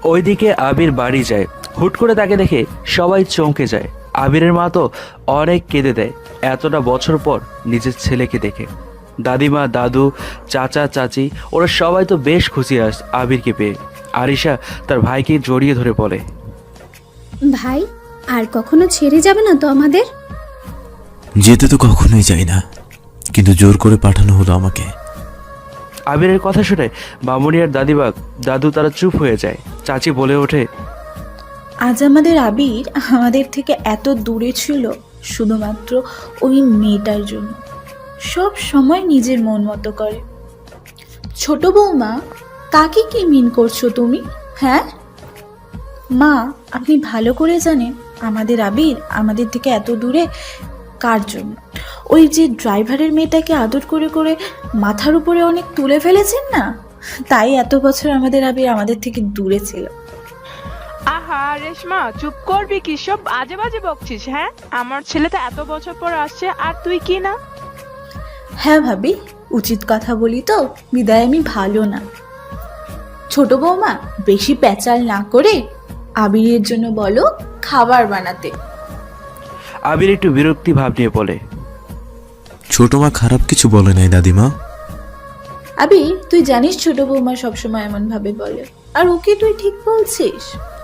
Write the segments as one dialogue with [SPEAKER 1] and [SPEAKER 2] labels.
[SPEAKER 1] ওইদিকে আবির বাড়ি যায়। হুট করে তাকে দেখে সবাই চমকে যায়। আবিরের মা তো অনেক কেঁদে দেয় এতটা বছর পর নিজের ছেলেকে দেখে। দাদিমা, দাদু, চাচা, চাচি ওরা সবাই তো বেশ খুশি আবিরকে পেয়ে। আরিশা তার ভাইকে জড়িয়ে ধরে বলে,
[SPEAKER 2] ভাই, আর কখনো ছেড়ে যাবে না তো আমাদের?
[SPEAKER 3] যেতে তো কখনোই যাই না, কিন্তু জোর করে পাঠানো হলো আমাকে।
[SPEAKER 1] আবিরের কথা শুনে মামুনি আর দাদু তারা চুপ হয়ে যায়। চাচি বলে ওঠে,
[SPEAKER 4] আজ আমাদের আবির আমাদের থেকে এত দূরে ছিল শুধুমাত্র ওই মেয়েটার জন্য। সব সময় নিজের মন মতো করে। ছোট বৌমা, কাকে কি মিন করছো তুমি? হ্যাঁ মা, আপনি ভালো করে জানেন আমাদের আবির আমাদের থেকে এত দূরে কার জন্য? ওই যে ড্রাইভারের মেয়েটাকে আদর করে করে মাথার উপরে অনেক তুলে ফেলেছেন না, তাই এত বছর আমাদের আবির আমাদের থেকে দূরে ছিল।
[SPEAKER 5] আহা রেশমা, চুপ করবি কি? সব আজে বাজে বকছিস। হ্যাঁ, আমার ছেলে তো এত বছর পর আসছে আর তুই কি না?
[SPEAKER 4] হ্যাঁ ভাবি, উচিত কথা বলি তো, বিদায় আমি ভালো না। ছোট বৌমা, বেশি প্যাচাল না করে আবিরের জন্য বলো খাবার বানাতে।
[SPEAKER 1] আবির একটু বিরক্তি ভাব নিয়ে বলে,
[SPEAKER 3] ছোট মা খারাপ কিছু বলে নাই দাদিমা।
[SPEAKER 4] আবির, তুই জানিস ছোট বৌমা সবসময় এমন ভাবে বলে, আর ওকে তুই ঠিক বলছিস।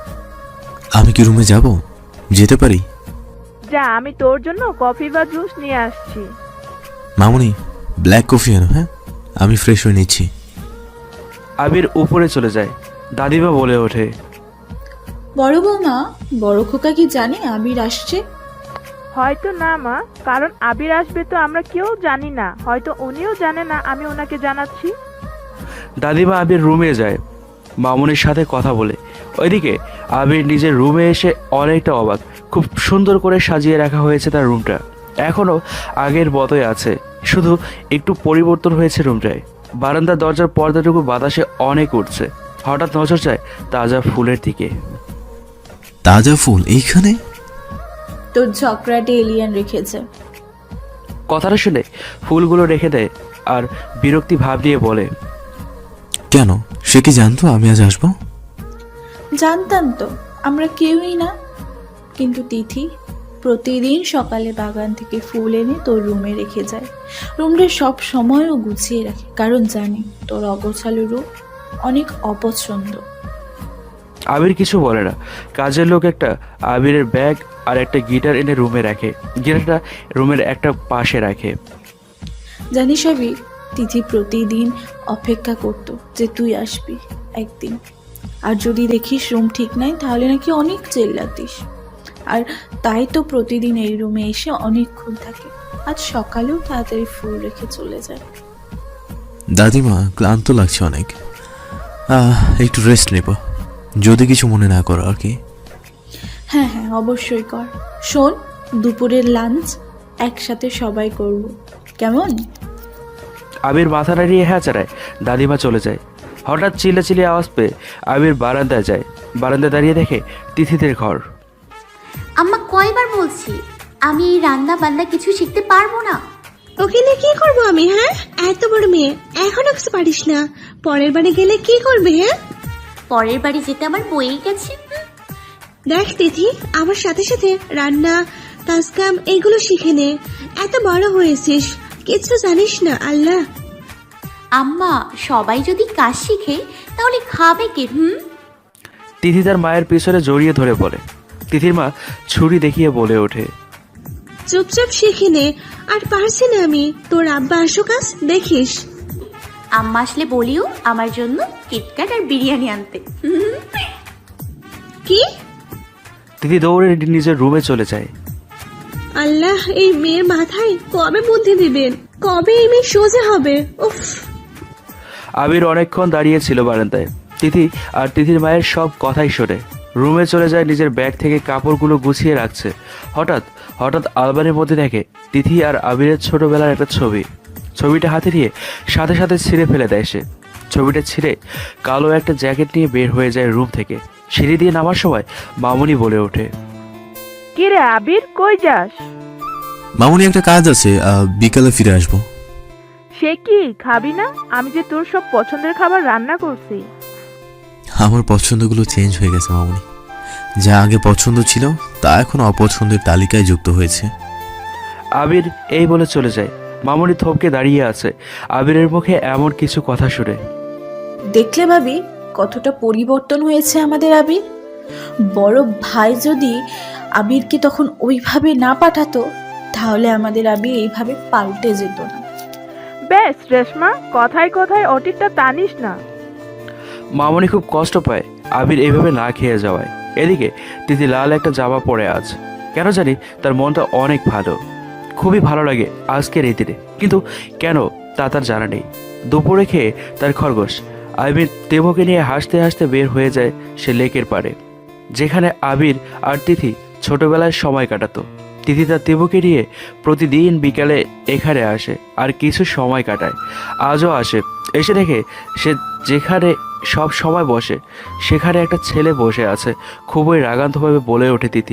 [SPEAKER 3] আমি কি রুমে যাব? যেতে পারি?
[SPEAKER 5] যা, আমি তোর জন্য কফি বা জুস নিয়ে আসছি।
[SPEAKER 3] মামুনি, ব্ল্যাক কফি আনো। হ্যাঁ, আমি ফ্রেশ হয়ে নিচ্ছি।
[SPEAKER 1] আবির উপরে চলে যায়। দাদিমা বলে ওঠে,
[SPEAKER 4] বড় বৌমা, বড় খোকা কি জানে আবির আসছে?
[SPEAKER 5] হয়তো না মা, কারণ আবির আসবে তো আমরা কেউ জানি না। হয়তো উনিও জানে না, আমি ওনাকে জানাচ্ছি।
[SPEAKER 1] দাদিমা আবির রুমে যায় মামুনির সাথে কথা বলে। ওইদিকে আবির নিজের রুমে এসে অনেকটা অবাক। খুব সুন্দর করে সাজিয়ে রাখা হয়েছে তার রুমটা। এখনও আগের মতোই আছে, শুধু একটু পরিবর্তন হয়েছে রুমটায়। বারান্দার দরজার পর্দাটুকু বাতাসে অনেক উঠছে। হঠাৎ নজর যায় তাজা ফুলের দিকে।
[SPEAKER 3] তাজা ফুল এইখানে?
[SPEAKER 4] তোর ঝকড়াটে এলিয়ান রেখেছে।
[SPEAKER 1] কথাটা শুনে ফুলগুলো রেখে দেয় আর বিরক্তি ভাব নিয়ে বলে,
[SPEAKER 3] কেন, সে কি জানতো আমি আজ আসবো?
[SPEAKER 4] জানতাম তো, আমরা কেউই না। কিন্তু তিথি প্রতিদিন সকালে বাগান থেকে ফুল এনে তোর রুমে রেখে যায়। রুমটা সব সময়ও গুছিয়ে রাখে, কারণ জানি তোর অগোছালো রূপ অনেক অপছন্দ।
[SPEAKER 1] আবির কিছু বলে না। কাজের লোক একটা আবিরের ব্যাগ আর একটা গিটার এনে রুমে রাখে। গিটারটা রুমের একটা পাশে রাখে।
[SPEAKER 4] জানিস আবির, তিথি প্রতিদিন অপেক্ষা করতো যে তুই আসবি একদিন, আর যদি দেখিস রুম ঠিক নাই তাহলে নাকি অনেক চেল্লাতিস। আর তাই তো প্রতিদিন এই রুমে এসে অনেকক্ষণ থাকে। আজ সকালেও তাড়াতাড়ি ফুল রেখে চলে যায়।
[SPEAKER 3] দাদিমা, ক্লান্ত লাগছে অনেক, একটু রেস্ট নেব, যদি কিছু মনে না করো আর কি।
[SPEAKER 4] হ্যাঁ হ্যাঁ, অবশ্যই কর। শোন, দুপুরের লাঞ্চ একসাথে সবাই করব, কেমন?
[SPEAKER 1] আবির মাথা নাড়িয়ে হ্যাঁ চাড়ায়। দাদিমা চলে যায়। হঠাৎ চিল্লাচিল্লি আওয়াজ পেয়ে আবির বারান্দায় যায়। বারান্দায় দাঁড়িয়ে দেখে তিথিদের ঘর।
[SPEAKER 2] আম্মা, কয়বার বলছি আমি এই রান্না বান্না কিছু শিখতে পারবো না।
[SPEAKER 6] ওকে নিয়ে কি করবো আমি? হ্যাঁ, এত বড় মেয়ে এখনো কিছু পারিস না, পরের বারে গেলে কি করবে? হ্যাঁ,
[SPEAKER 2] পরের বাড়ি যেতে আমার বয়েই গেছে।
[SPEAKER 6] দেখ তিথি, আমার সাথে সাথে রান্না, কাজকাম এগুলো শিখে নে। এত বড় হয়েছিস, কিছু জানিস না। আল্লাহ,
[SPEAKER 2] আম্মা, সবাই যদি কাজ শিখে তাহলে খাবে কে?
[SPEAKER 1] তিথি তার মায়ের পিছনে জড়িয়ে ধরে পড়ে। তিথির মা ছুরি দেখিয়ে বলে ওঠে,
[SPEAKER 6] চুপচাপ শিখে নে। আর পারছি না আমি, তোর আব্বা আসুক আজ দেখিস।
[SPEAKER 2] আম্মা আসলে বলিও আমার জন্য কিটক্যাট আর বিরিয়ানি আনতে।
[SPEAKER 6] কি?
[SPEAKER 1] তিথি দৌড়ে নিজের রুমে চলে যায়।
[SPEAKER 6] আল্লাহ, এই মেয়ের মাথায় কবে বুদ্ধি দিবেন, কবে এই মেয়ে সোজা হবে? উফ।
[SPEAKER 1] আবির অনেকক্ষণ দাঁড়িয়েছিল বারান্দায়। তিথি আর তিথির মায়ের সব কথাই শোনে। রুমে চলে যায়, নিজের ব্যাগ থেকে কাপড়গুলো গুছিয়ে রাখছে। হঠাৎ হঠাৎ আলমারির মধ্যে দেখে তিথি আর আবিরের ছোটবেলার একটা ছবি। ছবিটা হাতে নিয়ে সাথে সাথে ছিঁড়ে ফেলে দেয় সে। ছবিটা ছিঁড়ে কালো একটা জ্যাকেট নিয়ে বের হয়ে যায় রুম থেকে। সিঁড়ি দিয়ে নামার সময় মামুনি বলে ওঠে,
[SPEAKER 5] কি রে আবির, কই যাস?
[SPEAKER 3] মামুনি, একটা কাজ আছে, বিকালে ফিরে আসবো।
[SPEAKER 5] সে কি, খাবি না? আমি যে তোর সব পছন্দের খাবার রান্না করছি।
[SPEAKER 3] আমার পছন্দগুলো চেঞ্জ হয়ে গেছে মামুনি। যা আগে পছন্দ ছিল তা এখন অপছন্দের তালিকায় যুক্ত হয়েছে।
[SPEAKER 1] আবির এই বলে চলে যায়। মামুনি থমকে দাঁড়িয়ে আছে আবিরের মুখে এমন কিছু কথা শুনে।
[SPEAKER 4] দেখলে ভাবি কতটা পরিবর্তন হয়েছে আমাদের আবির। বড় ভাই যদি আবিরকে তখন ওইভাবে না পাঠাতো তাহলে আমাদের আবির এইভাবে পাল্টে যেত না।
[SPEAKER 5] বেশ রেশমা, কথায় কথায় অটিকটা টানিস না।
[SPEAKER 1] মামুনি খুব কষ্ট পায় আবির এইভাবে না খেয়ে যাওয়ায়। এদিকে তিথি লাল একটা জামা পরে আছে। কেন জানি তার মনটা অনেক ভালো, খুবই ভালো লাগে আজকের এই দিনে। কিন্তু কেন তা তার জানা নেই। দুপুরে খেয়ে তার খরগোশ আবির তেমোকে নিয়ে হাসতে হাসতে বের হয়ে যায় সে লেকের পাড়ে, যেখানে আবির আর তিথি ছোটবেলায় সময় কাটাতো। তিথি তার তেমোকে নিয়ে প্রতিদিন বিকালে এখানে আসে আর কিছু সময় কাটায়। আজও আসে। এসে দেখে সে যেখানে সব সময় বসে সেখানে একটা ছেলে বসে আছে। খুবই রাগান্তভাবে বলে ওঠে তিথি,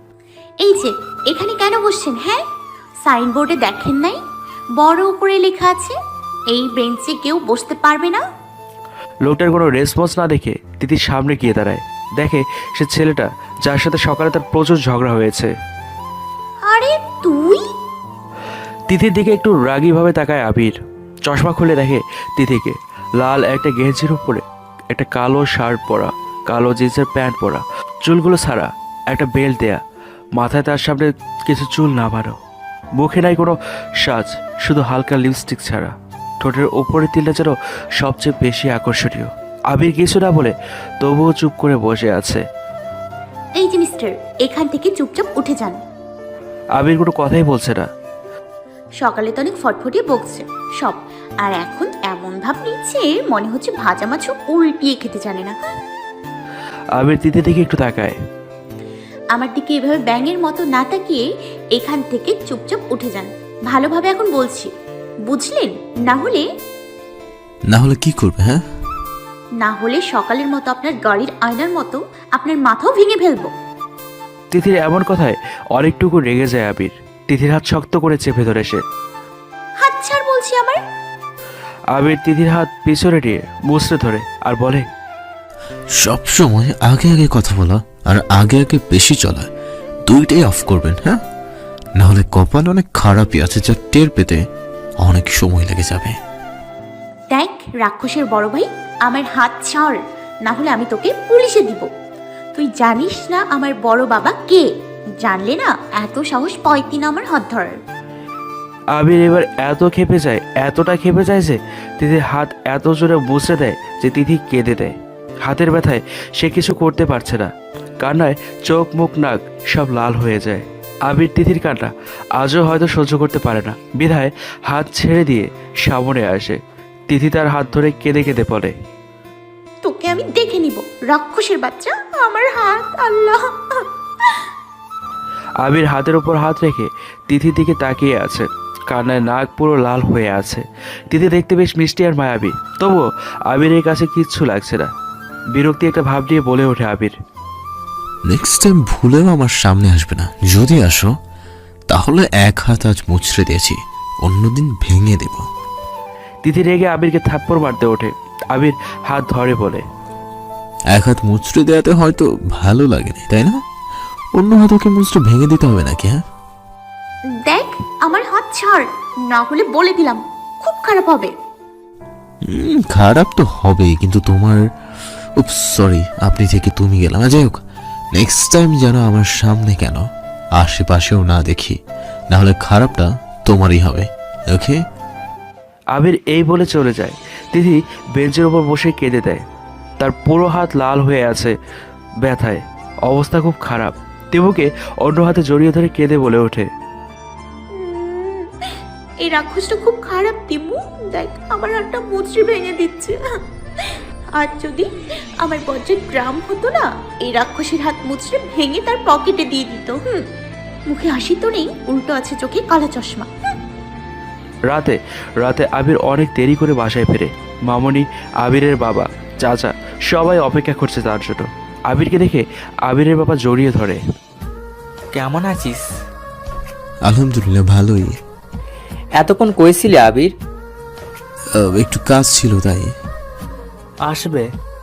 [SPEAKER 2] এই যে এখানে কেন বসছেন? হ্যাঁ, সাইনবোর্ডে দেখেন নাই বড় উপরে লেখা আছে এই বেঞ্চে কেউ বসতে পারবে না?
[SPEAKER 1] লোকটার কোনো রেসপন্স না দেখে তিথির সামনে গিয়ে দাঁড়ায়। দেখে সে ছেলেটা যার সাথে সকালে তার প্রচুর ঝগড়া হয়েছে।
[SPEAKER 2] আরে তুই?
[SPEAKER 1] তিথির দিকে একটু রাগীভাবে তাকায় আবির। চশমা খুলে দেখে তিথিকে লাল একটা গেঞ্জির উপরে একটা কালো শার্ট পরা, কালো জিন্সের প্যান্ট পরা, চুলগুলো ছাড়া, একটা বেল্ট দেয়া, মাথায় তার সামনে কিছু চুল নামানো, মুখে নাই কোনো সাজ, শুধু হালকা লিপস্টিক ছাড়া। ঠোঁটের ওপরে তিলটা যেন সবচেয়ে বেশি আকর্ষণীয়। আবির কিছু না বলে তবুও চুপ করে বসে আছে।
[SPEAKER 2] এই যে মিস্টার, এখান থেকে চুপচাপ উঠে যান।
[SPEAKER 1] আবির কোনো কথাই বলছে না।
[SPEAKER 2] সকালে তো অনেক ফটফটিয়ে বকছে সব, আর এখন এমন ভাব নিচ্ছে মনে হচ্ছে ভাজা মাছও উল্টিয়ে খেতে জানে না।
[SPEAKER 1] আবির তিথি দিকে একটু তাকায়।
[SPEAKER 2] আমার দিকে এভাবে ব্যাঙের মতো না তাকিয়ে এখান থেকে চুপচাপ উঠে যান। ভালোভাবে এখন বলছি, বুঝলেন?
[SPEAKER 3] না হলে কি করবে? হ্যাঁ,
[SPEAKER 2] না হলে সকালের মতো আপনার গাড়ির আয়নার মতো আপনার মাথাও ভেঙে ফেলবো।
[SPEAKER 1] তিথির এমন কথায় অনেকটুকু রেগে যায় আবির। তিথির হাত শক্ত করে চেপে ধরে সে।
[SPEAKER 2] হাত ছাড় বলছি আমার।
[SPEAKER 1] আবির তিথির হাত পিছনে নিয়ে মুচড়ে ধরে আর বলে,
[SPEAKER 3] সব সময় আগে আগে কথা বলা আর আগে আগে বেশি চলা দুইটাই অফ করবেন। হ্যাঁ, না হলে কপাল অনেক খারাপই আছে, যা টের পেতে অনেক সময় লেগে যাবে।
[SPEAKER 2] দেখ রাক্ষসের বড় ভাই, আমার হাত ছাড়, না হলে আমি তোকে পুলিশে দিব। তুই জানিস না আমার বড় বাবা কে? জানলে না এত সাহস পাইতি না আমার হাত ধরার।
[SPEAKER 1] আবির এবার এত খেপে যায়, এতটা খেপে যায় যে তিথির হাত এত জোরে মুচড়ে দেয় যে তিথি কেঁদে দেয়। হাতের ব্যথায় সে কিছু করতে পারছে না। কান্নায় চোখ মুখ নাক সব লাল হয়ে যায়। আবির তিথির কান্না আজও হয়তো সহ্য করতে পারে না, বিধায় হাত ছেড়ে দিয়ে সামনে আসে। তিথি তার হাত ধরে কেঁদে কেঁদে বলে,
[SPEAKER 2] তোকে আমি দেখে নিব রাক্ষসের বাচ্চা, আমার হাত। আল্লাহ!
[SPEAKER 1] আবির হাতের উপর হাত রেখে তিথির দিকে তাকিয়ে আছে। কান্নায় নাক পুরো লাল হয়ে আছে। তিথি দেখতে বেশ মিষ্টি আর মায়াবী, তবুও আবিরের কাছে কিচ্ছু লাগছে না। বিরক্তি একটা ভাব নিয়ে বলে ওঠে আবির,
[SPEAKER 3] নেক্সট টাইম ভুলেও আমার সামনে আসবে না। যদি আসো তাহলে এক হাত আজ মুচড়ে দিয়েছি, অন্যদিন ভেঙে দেব।
[SPEAKER 1] তিথি রেগে আবিরকে থাপ্পড় মারতে ওঠে। আবির হাত ধরে বলে,
[SPEAKER 3] এক হাত মুচড়ে দেওয়াতে হয়তো ভালো লাগেনি, তাই না? অন্য হাত ওকে মুচড়ে ভেঙে দিতে হবে নাকি? হ্যাঁ,
[SPEAKER 2] দেখ আমার হাত ছাড়, না হলে বলে দিলাম খুব খারাপ হবে।
[SPEAKER 3] খারাপ তো হবেই, কিন্তু তোমার সরি, আপনি থেকে তুমি গেলাম। যাই হোক, নেক্সট টাইম যেন আমার সামনে কেন আশেপাশেও না দেখি, না হলে খারাপটা তোমারই হবে। ওকে?
[SPEAKER 1] আবির এই বলে চলে যায়। তিথি বেঞ্চের ওপর বসে কেঁদে দেয়। তার পুরো হাত লাল হয়ে আছে ব্যথায়, অবস্থা খুব খারাপ। তিমুকে অন্য হাতে জড়িয়ে ধরে কেঁদে বলে ওঠে,
[SPEAKER 2] এই রাক্ষসটা খুব খারাপ তিমু, দেখ আমার হাতটা মুচড়ে ভেঙে দিচ্ছে। আর যদি আমার বজ্রের গ্রাম হতো না, এই রাক্ষসের হাত মুচড়ে ভেঙে তার পকেটে দিয়ে দিত। মুখে হাসি তো নেই, উল্টো আছে চোখে কালো চশমা।
[SPEAKER 1] রাতে রাতে আবির অনেক দেরি করে বাসায় ফেরে। মামনি, আবিরের বাবা, চাচা সবাই অপেক্ষা করছে তার জন্য। আবিরকে দেখে আবিরের বাবা জড়িয়ে ধরে।
[SPEAKER 7] কেমন আছিস?
[SPEAKER 3] আলহামদুলিল্লাহ, ভালোই।
[SPEAKER 7] এতক্ষণ কইছিলি আবির?
[SPEAKER 3] একটু কাজ ছিল তাই।
[SPEAKER 7] আসবে,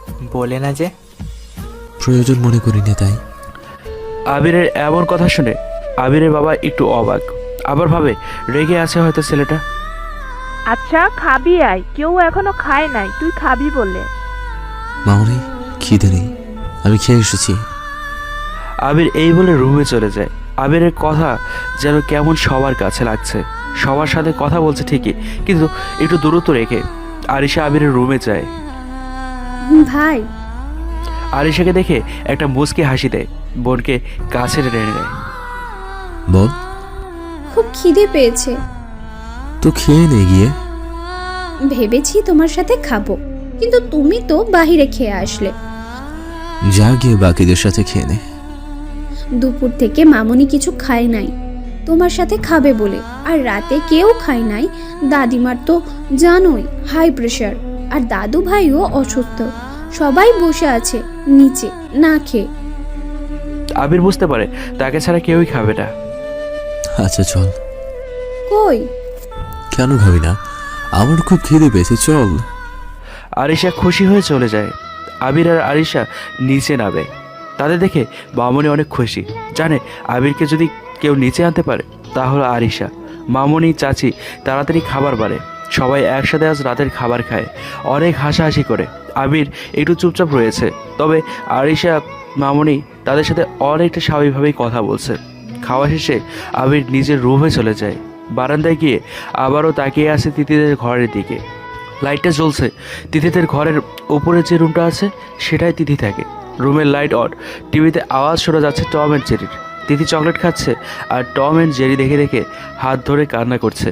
[SPEAKER 7] বলে না যে।
[SPEAKER 3] প্রয়োজন মনে করি না তাই।
[SPEAKER 1] আবিরের এমন কথা শুনে আবিরের বাবা একটু অবাক, আবার ভাবে রেগে আছে হয়তো ছেলেটা।
[SPEAKER 5] আচ্ছা খাবি আয়, কেউ এখনো খায় নাই, তুই খাবি বলে।
[SPEAKER 3] মামনি, খিদে নেই, আমি খেয়ে এসেছি।
[SPEAKER 1] আবির এই বলে রুমে চলে যায়। আবিরের কথা যেন কেমন সবার কাছে লাগছে, সবার সাথে কথা বলছে ঠিকই, কিন্তু একটু দূরত্ব রেখে। আরিশা আবিরের রুমে যায়।
[SPEAKER 8] ভাই,
[SPEAKER 1] আরিশাকে দেখে একটা মুচকি হাসি দেয়, বোনকে কাছে টেনে নেয়।
[SPEAKER 3] বল।
[SPEAKER 8] খুব খিদে পেয়েছে,
[SPEAKER 3] তো খেয়ে নে গিয়ে।
[SPEAKER 8] ভেবেছি তোমার সাথে খাবো, কিন্তু তুমি তো বাহিরে খেয়ে আসলে।
[SPEAKER 3] যা গিয়ে বাকিদের সাথে খেয়ে নে।
[SPEAKER 8] দুপুর থেকে মামুনি কিছু খায় নাই তোমার সাথে খাবে বলে, আর রাতে কেউ খায় নাই। দাদিমার তো জানোই হাই প্রেশার, আর দাদু ভাইও অসুস্থ, সবাই বসে আছে নিচে না খেয়ে।
[SPEAKER 1] আবির বুঝতে পারে তাকে ছাড়া কেউই খাবে না।
[SPEAKER 3] আচ্ছা চল।
[SPEAKER 8] কই?
[SPEAKER 3] কেন খাবি না? আমার খুব খিদে পেয়েছে, চল।
[SPEAKER 1] আরিশা খুশি হয়ে চলে যায়। আবির আর আরিশা নিচে নামে। তাদের দেখে মামনি অনেক খুশি, জানে আবিরকে যদি কেউ নিচে আনতে পারে তাহলে আরিশা। মামনি চাচি তাড়াতাড়ি খাবার বাড়ে, সবাই একসাথে আজ রাতের খাবার খায়, অনেক হাসাহাসি করে। আবির একটু চুপচাপ রয়েছে, তবে আরিশা মামনি তাদের সাথে অনেকটা স্বাভাবিকভাবেই কথা বলছে। খাওয়া শেষে আবির নিজের রুমে চলে যায়। বারান্দায় গিয়ে আবারও তাকিয়ে আছে তিতিদের ঘরের দিকে। লাইটটা জ্বলছে। তিথিদের ঘরের উপরে যে রুমটা আছে সেটাই তিথি থাকে। রুমের লাইট অন, টিভিতে আওয়াজ শোনা যাচ্ছে টম অ্যান্ড জেরির। তিথি চকলেট খাচ্ছে আর টম অ্যান্ড জেরি দেখে দেখে হাত ধরে কান্না করছে।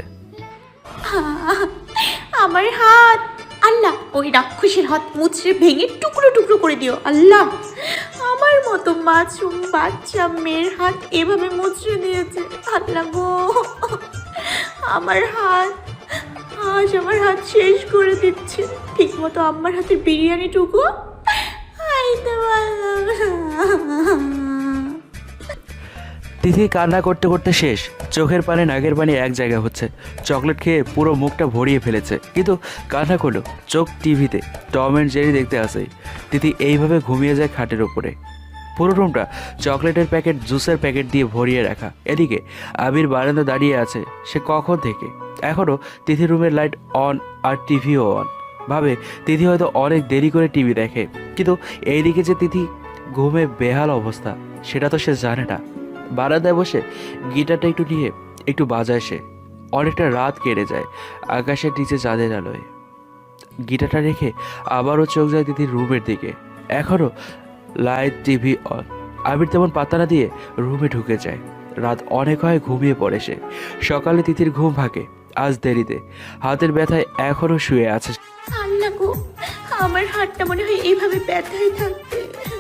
[SPEAKER 2] আমার হাত, আল্লাহ ওই রাক্ষসের হাত মুচড়ে ভেঙে টুকরো টুকরো করে দিও আল্লাহ। আমার মতো মাছুম বাচ্চা মেয়ের হাত এভাবে মুচড়ে দিয়েছে আল্লাহ গো। আমার হাত, আজ আমার হাত শেষ করে দিচ্ছে। ঠিক মতো আমার হাতের বিরিয়ানিটুকু খাইতে পারলাম।
[SPEAKER 1] তিথি কান্না করতে করতে শেষ, চোখের পানি নাকের পানি এক জায়গায় হচ্ছে। চকলেট খেয়ে পুরো মুখটা ভরিয়ে ফেলেছে, কিন্তু কান্না করলো। চোখ টিভিতে টম অ্যান্ড জেরি দেখতে আসে। তিথি এইভাবে ঘুমিয়ে যায় খাটের উপরে। পুরো রুমটা চকলেটের প্যাকেট, জুসের প্যাকেট দিয়ে ভরিয়ে রাখা। এদিকে আবির বারান্দা দাঁড়িয়ে আছে, সে কখন থেকে। এখনও তিথি রুমের লাইট অন আর টিভিও অন। ভাবে তিথি হয়তো অনেক দেরি করে টিভি দেখে, কিন্তু এইদিকে যে তিথি ঘুমে বেহাল অবস্থা সেটা তো সে জানে না। বারান্দায় বসে গিটারটা একটু নিয়ে একটু বাজায় সে। অনেকটা রাত কেটে যায় আকাশের নিচে চাঁদের আলোয়। গিটারটা রেখে আবারও চোখ যায় তিথির রুমের দিকে। এখনও লাইট, টিভি অন। আবির তেমন পাত্তা না দিয়ে রুমে ঢুকে যায়। রাত অনেক হয়, ঘুমিয়ে পড়ে সে। সকালে তিথির ঘুম ভাঙে আজ দেরিতে। হাতের ব্যথায় এখনও শুয়ে আছে।
[SPEAKER 2] আল্লাহ গো, আমার হাতটা মনে হয় এইভাবে ব্যথায় থাকবে।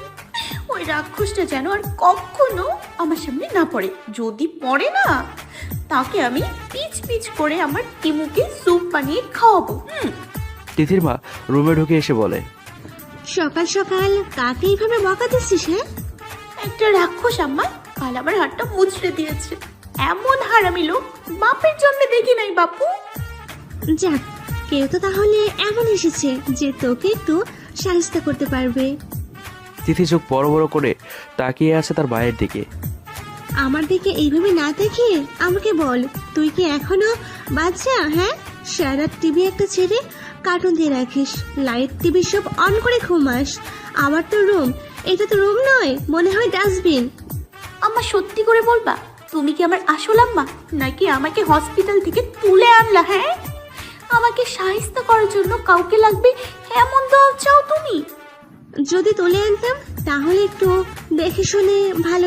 [SPEAKER 2] ওই রাক্ষসটা যেন আর কখনো আমার সামনে না পড়ে। যদি পড়ে না, তাকে আমি পিচ পিচ করে আমার টিমুকে স্যুপ বানিয়ে খাওয়াবো।
[SPEAKER 1] তিথির মা রুমে ঢুকে এসে বলে,
[SPEAKER 6] সকাল সকাল কাকে এইভাবে বকা দিচ্ছিস? হ্যাঁ,
[SPEAKER 2] একটা রাক্ষস আম্মা কাল আমার হাতটা মুচড়ে দিয়েছে। এমন হারামি লোক বাপের জন্য দেখি নাই বাপু।
[SPEAKER 6] যাক, কেউ তো তাহলে এমন এসেছে যে তোকে একটু সাহায্য করতে পারবে।
[SPEAKER 1] তিথি চোখ বড় বড় করে তাকিয়ে আছে তার মায়ের দিকে।
[SPEAKER 6] আমার দিকে এইভাবে না দেখিয়ে আমাকে বল, তুই কি এখনো বাচ্চা? হ্যাঁ, সারা টিভি একটা ছেড়ে কার্টুন দিয়ে রাখিস, লাইট টিভি সব অন করে ঘুমাস। আমার তো রুম, এটা তো রুম নয়, মনে হয় ডাস্টবিন।
[SPEAKER 2] আম্মা সত্যি করে বলবা, তুমি কি আমার আসল আম্মা নাকি আমাকে হসপিটাল থেকে তুলে আনলা? হ্যাঁ, আমাকে সাহায্য করার জন্য কাউকে লাগবে এমন দল চাও তুমি?
[SPEAKER 6] যদি তুলে আনতাম তাহলে একটু দেখে শুনে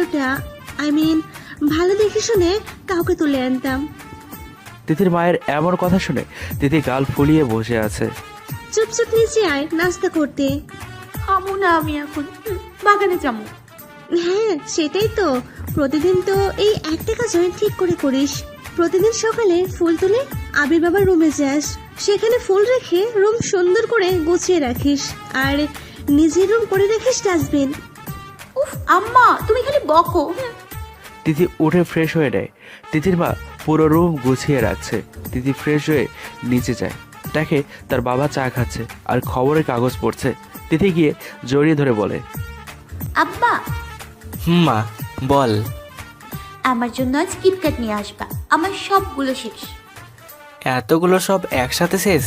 [SPEAKER 6] ভালো দেখে শুনে কাউকে তুলে আনতাম।
[SPEAKER 1] তিথির মায়ের এমন কথা শুনে তিথি গাল ফুলিয়ে বসে আছে।
[SPEAKER 6] চুপচাপ নিচে আয় নাস্তা করতে।
[SPEAKER 2] খাবো না আমি এখন, বাগানে যাবো।
[SPEAKER 6] হ্যাঁ, সেটাই তো। প্রতিদিন তো এই একটা কাজ ঠিক করে করিস। প্রতিদিন সকালে ফুল তুলে আবির বাবার রুমে যাস, সেখানে ফুল রেখে রুম সুন্দর করে গুছিয়ে রাখিস, আর নিজের রুম করে রাখিস ডাস্টবিন।
[SPEAKER 2] উফ আম্মা, তুমি খালি বকো।
[SPEAKER 1] তিথি উঠে ফ্রেশ হয়ে নেয়। তিথির মা পুরো রুম গুছিয়ে রাখছে। তিথি ফ্রেশ হয়ে নিচে যায়, দেখে তার বাবা চা খাচ্ছে আর খবরের কাগজ পড়ছে। তিথি গিয়ে জড়িয়ে ধরে বলে,
[SPEAKER 2] আব্বা
[SPEAKER 7] মা বল।
[SPEAKER 2] আমার জন্য আজ কিটক্যাট নিয়ে আসবা, আমার সবগুলো শেষ।
[SPEAKER 7] এতগুলো সব একসাথে শেষ?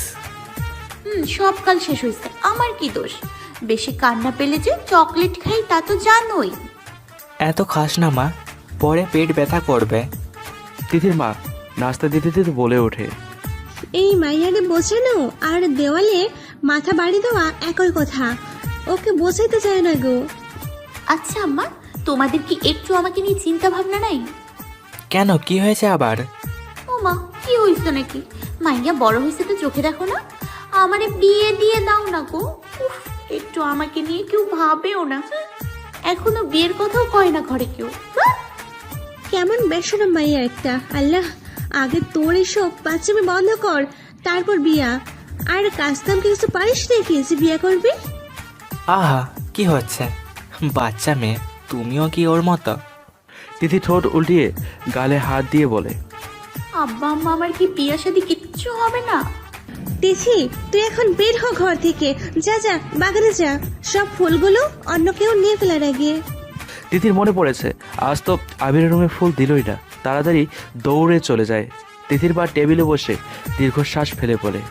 [SPEAKER 2] সব কাল শেষ হয়েছে, আমার কি দোষ? বেশি কান্না পেলে যে চকলেট খাই তা তো জানোই।
[SPEAKER 7] এত খাস না মা, পরে পেট ব্যথা করবে।
[SPEAKER 1] তিথির মা নাস্তা দিতে দিতে বলে ওঠে,
[SPEAKER 6] এই মাইয়ারে বোঝানো আর দেওয়ালে মাথা বাড়ি দেওয়া একই কথা, ওকে বোঝাইতে চায় না গো।
[SPEAKER 2] আচ্ছা আম্মা, তোমাদের কি একটু আমাকে নিয়ে চিন্তা ভাবনা নাই?
[SPEAKER 7] কেন, কি হয়েছে আবার?
[SPEAKER 2] ও মা, কি হয়েছে নাকি? মাইয়া বড় হয়েছে তো চোখে দেখো না? আমারে বিয়ে দিয়ে দাও না গো। উফ, একটু আমাকে নিয়ে কেউ ভাবেও না। এখনো বিয়ের কথাও কয় না ঘরে কেউ।
[SPEAKER 6] কেমন বেসরম মাইয়া একটা। আল্লাহ, আগে তোর এসব বাচ্চামি বন্ধ কর, তারপর বিয়া। আর কাজতাম কিছু পারিস নাকি যে বিয়া করবি?
[SPEAKER 7] আহা, কি হচ্ছে? বাচ্চা মেয়ে, তুমিও কি ওর মতো?
[SPEAKER 1] তিথি ঠোঁট উল্টিয়ে গালে হাত দিয়ে বলে,
[SPEAKER 2] আব্বা আম্মা আমার কি বিয়া শাদী কিচ্ছু হবে না?
[SPEAKER 6] তিথি, তুই এখন বের হ ঘর থেকে। যা যা, বাগানে যা, সব ফুলগুলো অন্য কেউ নিয়ে ফেলার আগে।
[SPEAKER 1] তিথির মনে পড়েছে আজ তো আবিরের রুমে ফুল দিলই না। তাড়াতাড়ি দৌড়ে চলে যায়। তিথির মা টেবিলে বসে দীর্ঘশ্বাস ফেলে বলে,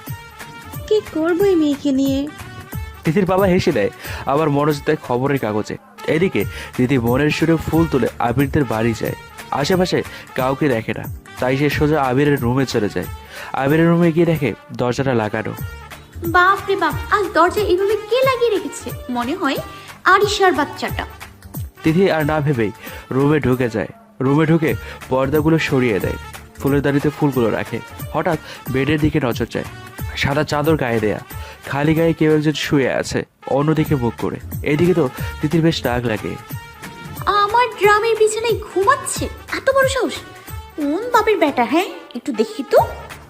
[SPEAKER 6] কি করবো এই মেয়েকে নিয়ে?
[SPEAKER 1] তিথির বাবা হেসে দেয়, আবার মনোযোগ দেয় খবরের কাগজে। এদিকে তিথি মনের সুরে ফুল তুলে আবিরদের বাড়ি যায়। আশেপাশে কাউকে দেখে না, তাই সে সোজা আবিরের রুমে চলে যায়। আবিরের রুমে গিয়ে দেখে দরজাটা লাগানো।
[SPEAKER 2] বাপ রে বাপ, আজ দরজা এইভাবে কে লাগিয়ে রেখেছে? মনে হয় আরিশার বাচ্চাটা।
[SPEAKER 1] তিথি আর না ভেবেই রুমে ঢুকে যায়। রুমে ঢুকে পর্দাগুলো সরিয়ে দেয়, ফুলের দাঁড়িতে ফুলগুলো রাখে। হঠাৎ বেডের দিকে নজর যায়। সাদা চাদর গায়ে দেয়া, খালি গায়ে কেউ একজন শুয়ে আছে, অন্যদিকে মুখ করে। এদিকে তো তিথির বেশ রাগ লাগে।
[SPEAKER 2] আমার ড্রামের বিছানায় ঘুমাচ্ছে, এত বড় সাহস! কোন বাপের বেটা? হ্যাঁ, একটু দেখি তো।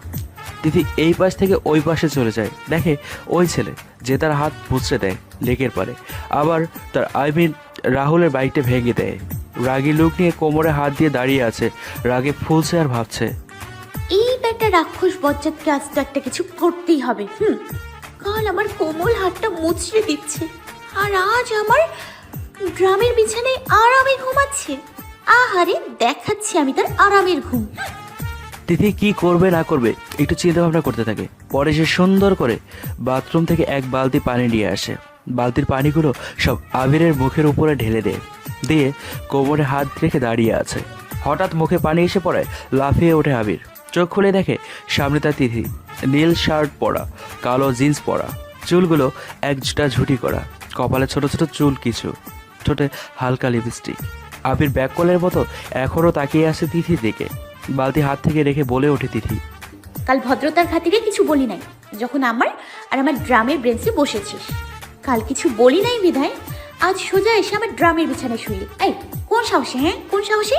[SPEAKER 1] তিথি এই পাশ থেকে ওই পাশে চলে যায়, দেখে ওই ছেলে যে তার হাত মুচড়ে দেয় লেকের পারে, আবার তার রাহুলের বাইকটা ভেঙে দেয়। রাগী লোক নিয়ে কোমরে হাত দিয়ে দাঁড়িয়ে আছে, রাগে ফুলছে আর ভাবছে,
[SPEAKER 2] এই বেটা রাক্ষস বজ্জাতকে আজ তো একটা কিছু করতেই হবে। কাল আমার কোমল হাতটা মুচড়ে দিচ্ছে, আর আজ আমার ড্রামের বিছানায় আরামে ঘুমাচ্ছে। আহারে, দেখাচ্ছি আমি তার আরামের ঘুম।
[SPEAKER 1] তিথি কি করবে না করবে একটু চিন্তা ভাবনা করতে থাকে। পরে সে সুন্দর করে বাথরুম থেকে এক বালতি পানি নিয়ে আসে। বালতির পানিগুলো সব আবিরের মুখের উপরে ঢেলে দিয়ে কোমরে হাত রেখে দাঁড়িয়ে আছে। হঠাৎ মুখে পানি এসে পড়ে, লাফিয়ে ওঠে আবির। চোখ খুলে দেখে সামনে তার তিথি, নীল শার্ট পরা, কালো জিন্স পরা, চুলগুলো একটা ঝুটি করা, কপালে ছোট ছোট চুল কিছু, ঠোঁটে হালকা লিপস্টিক। আবির ব্যাককলের মতো এখনও তাকিয়ে আছে তিথির দিকে। বালতি হাত থেকে রেখে বলে ওঠে তিথি,
[SPEAKER 2] কাল ভদ্রতার খাতিরে কিছু বলি নাই, যখন আমার আর আমার ড্রামের ব্রেঞ্চে বসেছিস। কাল কিছু বলি নাই বিধায় আজ সোজা এসে আমার ড্রামের বিছানায় শুইলি। এই, কোন সাহসে? হ্যাঁ, কোন সাহসে?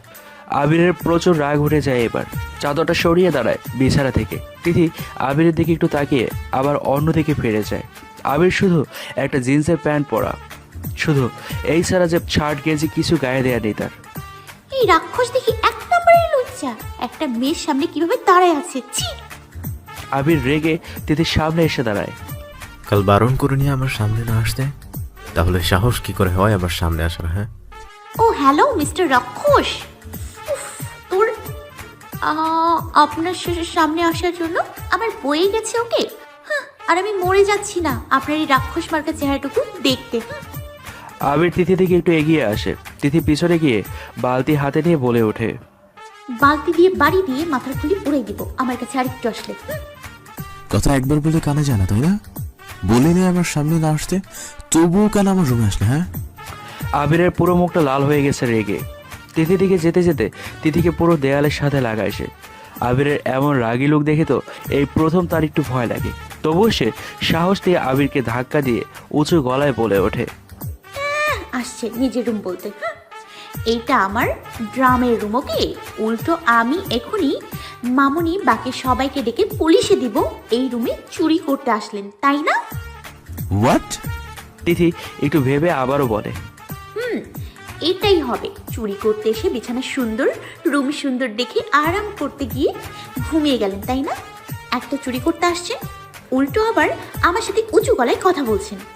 [SPEAKER 1] আবিরের প্রচুর রাগ উঠে যায়। এবার চাদরটা সরিয়ে দাঁড়ায় বিছানা থেকে। তিথি আবিরের দিকে একটু তাকিয়ে আবার অন্যদিকে ফিরে যায়। আবির শুধু একটা জিন্সের প্যান্ট পরা, শুধু এই ছাড়া যে শার্ট গেঞ্জি কিছু গায়ে দেয়া নেই তার।
[SPEAKER 2] এই রাক্ষস দেখি এক নম্বরের লজ্জা, একটা মেয়ের সামনে কিভাবে দাঁড়ায় আছে। ছি!
[SPEAKER 1] আবির রেগে তিথির সামনে এসে দাঁড়ায়।
[SPEAKER 3] কাল বারণ করে নিয়ে আমার সামনে না আসতে, তাহলে সাহস কি করে হয় আমার সামনে আসার? হ্যাঁ,
[SPEAKER 2] ও হ্যালো মিস্টার রাক্ষস, উফ, তোর আপনার সামনে আসার জন্য আমার বয়ে গেছে ওকে। আর আমি মরে যাচ্ছি না আপনার এই রাক্ষস মার্কা চেহারাটুকু দেখতে।
[SPEAKER 1] আবির তিথি থেকে একটু এগিয়ে আসে। তিথি পিছনে গিয়ে বালতি হাতে নিয়ে বলে ওঠে,
[SPEAKER 2] বালতি দিয়ে বাড়ি দিয়ে মাথার খুলি উড়াই দিব আমার কাছে আরেকটু আসলে।
[SPEAKER 3] কথা একবার বলে কানে জানা, তাই না? বলিনি আমার সামনে না আসতে, তবুও কেন আমার রুমে আসলে? হ্যাঁ,
[SPEAKER 1] আবিরের পুরো মুখটা লাল হয়ে গেছে রেগে। তিথি দিকে যেতে যেতে তিথিকে পুরো দেয়ালের সাথে লাগায় সে। আবিরের এমন রাগী লোক দেখে তো এই প্রথম তার একটু ভয় লাগে। তবুও সে সাহস দিয়ে আবিরকে ধাক্কা দিয়ে উঁচু গলায় বলে ওঠে,
[SPEAKER 2] আসছে নিজের রুম বলতে। এইটা আমার ড্রামের রুম, ওকে? উল্টো আমি এখনই মামুনি বাকি সবাইকে ডেকে পুলিশে দিব এই রুমে চুরি করতে আসলেন, তাই না?
[SPEAKER 3] হোয়াট?
[SPEAKER 1] তিথি একটু ভেবে আবারও বলে,
[SPEAKER 2] এটাই হবে। চুরি করতে এসে বিছানা সুন্দর, রুম সুন্দর দেখে আরাম করতে গিয়ে ঘুমিয়ে গেলেন, তাই না? একটা চুরি করতে আসছেন, উল্টো আবার আমার সাথে উঁচু গলায় কথা বলছেন।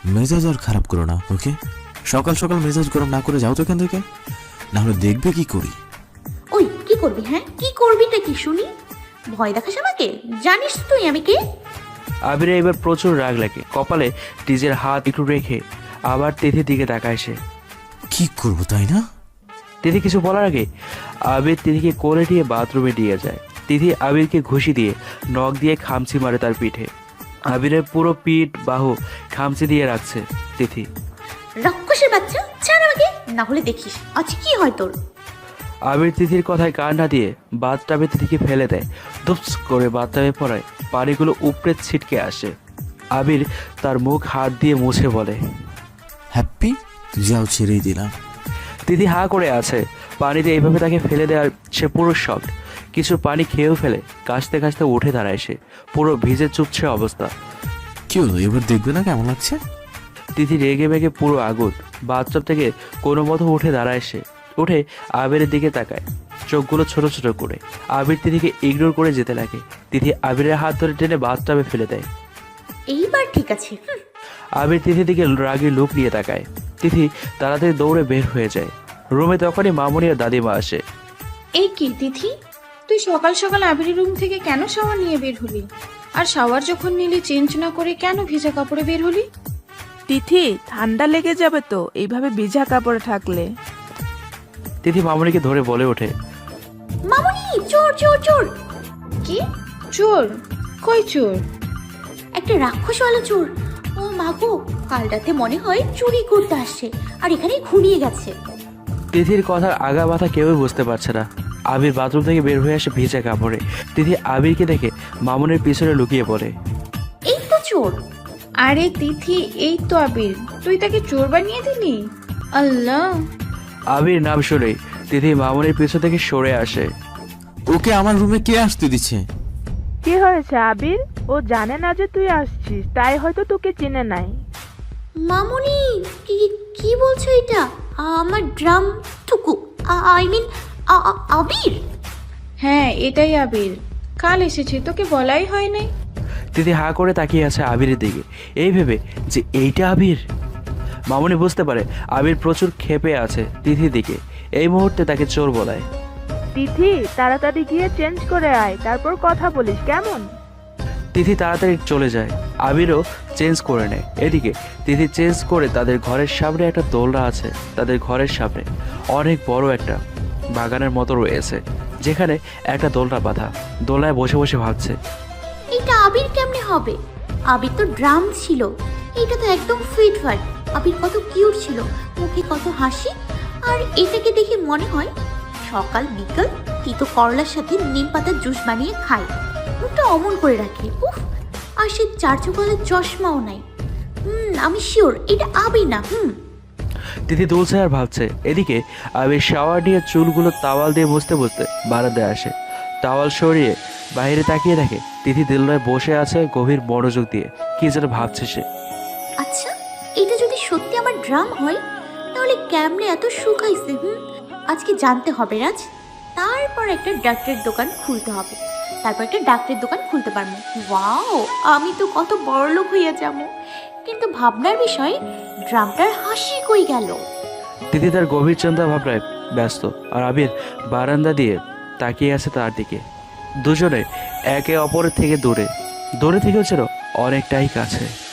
[SPEAKER 3] মেজাজ আর খারাপ করো না, ওকে? সকাল সকাল মেজাজ গরম না করে যাও তো এখান থেকে, না হলে দেখবে কি করি।
[SPEAKER 2] ওই কি করবি? হ্যাঁ কি করবিটা কি শুনি? ভয় দেখাস আমাকে? জানিস তুই আমি কে?
[SPEAKER 1] আবিরের এবার প্রচুর রাগ লাগে, কপালে নিজের হাত একটু রেখে আবার তিথির দিকে তাকায় সে।
[SPEAKER 3] কি করবো তাই না?
[SPEAKER 1] তিথি কিছু বলার আগে আবির তিথিকে কোলে নিয়ে বাথরুমে নিয়ে যায়। তিথি আবিরকে ঘুষি দিয়ে নখ দিয়ে খামচি মারে তার পিঠে। আবিরের পুরো পিঠ বাহু খামচি দিয়ে রাখছে তিথি।
[SPEAKER 2] রাক্ষসের বাচ্চা, ছাড় আমাকে, না হলে দেখিস আজ কি হয় তোর।
[SPEAKER 1] আবির তিথির কথায় কান না দিয়ে বাথটাবে তিথিকে ফেলে দেয়। ধুপস করে বাথটাবে পড়ায় পানিগুলো উপড়ে ছিটকে আসে। আবির তার মুখ হাত দিয়ে মুছে বলে,
[SPEAKER 3] হ্যাপি? যাও, ছেড়েই দিলাম।
[SPEAKER 1] তিথি হা করে আছে। পানিতে এইভাবে তাকে ফেলে দেওয়ার সে পুরো শখ। কিছু পানি খেয়েও ফেলে, কাশতে কাশতে উঠে দাঁড়ায় সে, পুরো ভিজে চুপছে অবস্থা।
[SPEAKER 3] কি হলো, এবার দেখবে না কেমন লাগছে?
[SPEAKER 1] তিথি রেগে মেগে পুরো আগুন। বাথটব থেকে কোনো মতো উঠে দাঁড়ায় সে, উঠে আবিরের দিকে তাকায়, চোখগুলো ছোট ছোট করে। আবির তিথিকে ইগনোর করে যেতে লাগে। তিথি আবিরের হাত ধরে টেনে বাথটবে ফেলে দেয়।
[SPEAKER 2] এইবার ঠিক আছে।
[SPEAKER 1] আবির তিথির দিকে রাগি লুক নিয়ে তাকায়। তিথি তাড়াতাড়ি দৌড়ে বের হয়ে যায়। রুমে তখনই মামুনি আর দাদিমা আসে।
[SPEAKER 4] এই কি তিথি, তুই সকাল সকাল আবিরের রুম থেকে কেন শাওয়ার নিয়ে বের হলি? আর শাওয়ার যখন নিলি চেঞ্জ না করে কেন ভিজা কাপড়ে বের হলি?
[SPEAKER 5] তিথি, ঠান্ডা লেগে যাবে তো এইভাবে ভিজা কাপড়ে থাকলে।
[SPEAKER 1] তিথি মামুনিকে ধরে বলে ওঠে,
[SPEAKER 2] মামুনি, চোর চোর চোর!
[SPEAKER 4] কি চোর? কই চোর?
[SPEAKER 2] একটা রাক্ষসওয়ালা চোর। ও মাগো, কাল রাতে মনে হয় চুরি করতে আসছে আর এখানে ঘুরিয়ে গেছে।
[SPEAKER 1] তিথির কথার আগা মাথা কেউই বুঝতে পারছে না। আবির বাথরুম থেকে বের হয়ে আসে ভিজা কাপড়ে। তিথি আবিরকে দেখে মামুনের পিছনে লুকিয়ে পড়ে।
[SPEAKER 2] এই তো চোর।
[SPEAKER 4] আরে তিথি, এই তো আবির, তুই তাকে চোর বানিয়ে দিলি? আল্লাহ!
[SPEAKER 1] আবির নাম শুনেই তিথি মামুনের পিছন থেকে সরে আসে।
[SPEAKER 3] ওকে আমার রুমে কে আসতে দিচ্ছে?
[SPEAKER 5] কি হয়েছে আবির? ও জানে না যে তুই আসছিস, তাই হয়তো তোকে চিনে নাই।
[SPEAKER 2] মামুনি, কি কি বলছো এটা? আমার ড্রাম টুকু, আই মিন আবির।
[SPEAKER 4] হ্যাঁ, এটাই আবির। কাল এসেছে, তোকে বলাই হয় নাই?
[SPEAKER 1] তিথি হা করে তাকিয়ে আছে আবিরের দিকে, এই ভেবে যে এইটা আবির। মামুনি বুঝতে পারে আবির প্রচুর ক্ষেপে আছে তিথির দিকে। এই মুহূর্তে তাকে চোর বলায়।
[SPEAKER 5] তিথি, তাড়াতাড়ি গিয়ে চেঞ্জ করে আয়, তারপর কথা বলিস, কেমন?
[SPEAKER 1] তিথি তাড়াতাড়ি চলে যায়। আবিরও চেঞ্জ করে নেয়। এদিকে তিথি চেঞ্জ করে তাদের ঘরের সামনে একটা দোলনা আছে। তাদের ঘরের সামনে অনেক বড় একটা বাগানের মতো রয়েছে, যেখানে একটা দোলনা বাঁধা। দোলনায় বসে বসে ভাবছে,
[SPEAKER 2] এটা আবির কেমনে হবে? আবির তো ড্রাম ছিল, এটা তো একদম ফিট ফাট। আবির কত কিউট ছিল, মুখে কত হাসি। আর এটাকে দেখে মনে হয় সকাল বিকাল তিতো করলার সাথে নিম পাতার জুস বানিয়ে খায়, মুখটা অমন করে রাখে। উফ, আর সে চার চোখের চশমাও নাই। আমি শিওর এটা আবির না।
[SPEAKER 1] তিথি দুলছে আর ভাবছে। এদিকে আবির শাওয়ার নিয়ে চুলগুলো তাওয়াল দিয়ে মুছতে মুছতে বারান্দায় আসে। তাওয়াল সরিয়ে বাইরে তাকিয়ে দেখে তিথি দোলনায় বসে আছে গভীর মনোযোগ দিয়ে, কি যেন ভাবছে সে।
[SPEAKER 2] আচ্ছা, এটা যদি সত্যি আমার ড্রাম হয় তাহলে কেমনে এত শুকাইছে? আজকে জানতে হবে রাজ। তারপর একটা ডাক্তারের দোকান খুলতে হবে, তারপর একটা ডাক্তারের দোকান খুলতে পারবো। ওয়াও, আমি তো কত বড়লোক হইয়া যাবো। কিন্তু ভাবনার বিষয়, ড্রামটার হাসি কই গেল?
[SPEAKER 1] তিথি তার গভীর চিন্তা ভাবনায় ব্যস্ত, আর আবির বারান্দা দিয়ে তাকিয়ে আছে তার দিকে। দুজনে একে অপরের থেকে দূরে, দূরে থেকেও ছিল অনেকটাই কাছে।